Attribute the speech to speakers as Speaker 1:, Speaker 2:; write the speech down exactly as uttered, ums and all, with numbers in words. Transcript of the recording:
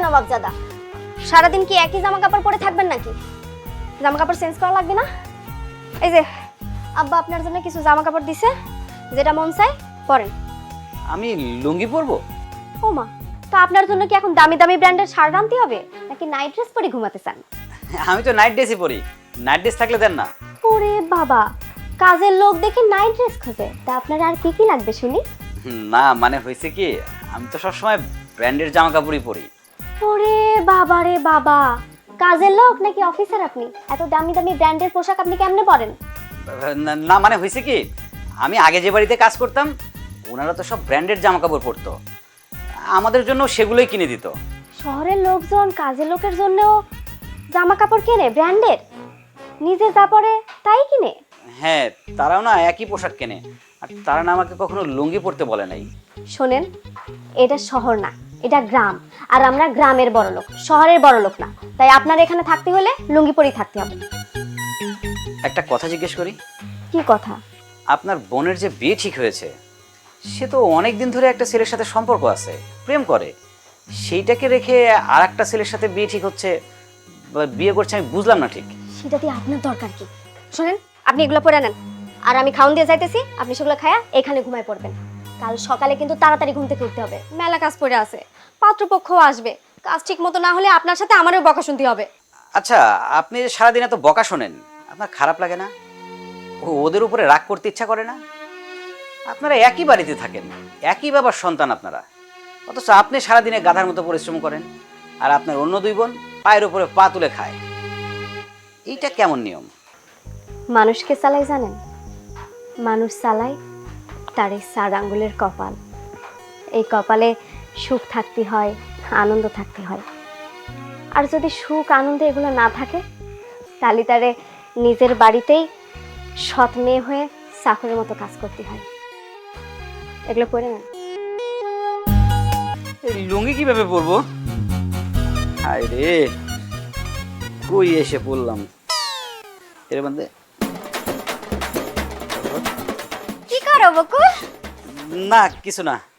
Speaker 1: নবাবজাদা, সারাদিন কি একই জামা কাপড় পরে থাকবেন নাকি? জামা কাপড় চেঞ্জ করা লাগবে না? এই যে আব্বা আপনার জন্য কিছু জামা কাপড় দিছে, যেটা মন চাই পরেন।
Speaker 2: আমি লুঙ্গি পরবো?
Speaker 1: ও মা, তো আপনার জন্য কি এখন দামি দামি ব্র্যান্ডের শার্ট আনতে হবে নাকি নাইট ড্রেস পরে ঘুমাতে চান?
Speaker 2: আমি তো নাইট ড্রেসই পরি। নাইট ড্রেস থাকলে দেন না।
Speaker 1: ওরে বাবা, কাজের লোক দেখি নাইট ড্রেস খোঁজে, তা আপনার আর কি কি লাগবে শুনি?
Speaker 2: না মানে হয়েছে কি, আমি তো সবসময় ব্র্যান্ডের জামা কাপড়ই পরি।
Speaker 1: ওরে বাবা রে বাবা, কাজের লোক নাকি অফিসার আপনি? এত দামি দামি ব্র্যান্ডের পোশাক আপনি কেমনে পরেন?
Speaker 2: না- না মানে হয়েছে কি, আমি আগে যে বাড়িতে কাজ করতাম ওনারা তো সব ব্র্যান্ডের জামা কাপড় পরতো, আমাদের জন্য সেগুলোই কিনে দিত।
Speaker 1: শহরের লোকজন কাজের লোকের জন্যও জামা কাপড় কেনে ব্র্যান্ডের, নিজে যা পরে তাই কিনে?
Speaker 2: হ্যাঁ, তারাও না একই পোশাক কেনে, আর তারা না আমাকে কখনো লুঙ্গি পরতে বলে নাই।
Speaker 1: শোনেন, এটা শহর না, এটা গ্রাম, আর আমরা গ্রামের বড় লোক, শহরের বড় লোক না। তাই আপনার এখানে থাকতে হলে লুঙ্গি পরেই থাকতে হবে।
Speaker 2: একটা কথা জিজ্ঞেস করি?
Speaker 1: কি কথা?
Speaker 2: আপনার বোনের যে বিয়ে ঠিক হয়েছে, সে তো অনেক দিন ধরে একটা ছেলের সাথে সম্পর্ক আছে, প্রেম করে, সেইটাকে রেখে আর একটা ছেলের সাথে বিয়ে ঠিক হচ্ছে বা বিয়ে করছে, আমি বুঝলাম না ঠিক।
Speaker 1: সেটা দিয়ে আপনার দরকার কি? শোনেন, আপনি এগুলো পরে নেন, আর আমি খাওন দিয়ে যাইতেছি, আপনি সেগুলো খায়া এখানে ঘুমায় পড়বেন। কাল সকালে কিন্তু তাড়াতাড়ি ঘুম থেকে উঠতে হবে, মেলা কাজ পড়ে আছে, পাত্রপক্ষও আসবে, কাজ ঠিক মতো না হলে আপনার সাথে আমারও বকা শুনতে হবে।
Speaker 2: আচ্ছা, আপনি যে সারাদিন এত বকা শোনেন, আপনার খারাপ লাগে না? ও ওদের উপরে রাগ করতে ইচ্ছা করে না? আপনারা একই বাড়িতে থাকেন, একই বাবার সন্তান আপনারা, অথচ আপনি সারাদিনে গাধার মতো পরিশ্রম করেন, আর আপনার অন্য দুই বোন পায়ের উপরে পা তুলে খায়। এইটা কেমন নিয়ম?
Speaker 1: মানুষকে চালাই জানেন? মানুষ চালায় তার এই চার আঙ্গুলের কপাল। এই কপালে সুখ থাকতে হয়, আনন্দ থাকতে হয়, আর যদি সুখ আনন্দ এগুলো না থাকে তাহলে তারে নিজের বাড়িতেই সৎ মেয়ে হয়ে চাকরের মতো কাজ করতে হয়। এগুলো পড়ে নেন।
Speaker 2: এই লুঙ্গি কিভাবে পরবো? হায় রে, কই এসে পড়লাম। এর মধ্যে
Speaker 1: কি করো বকুল?
Speaker 2: না, কিছু না।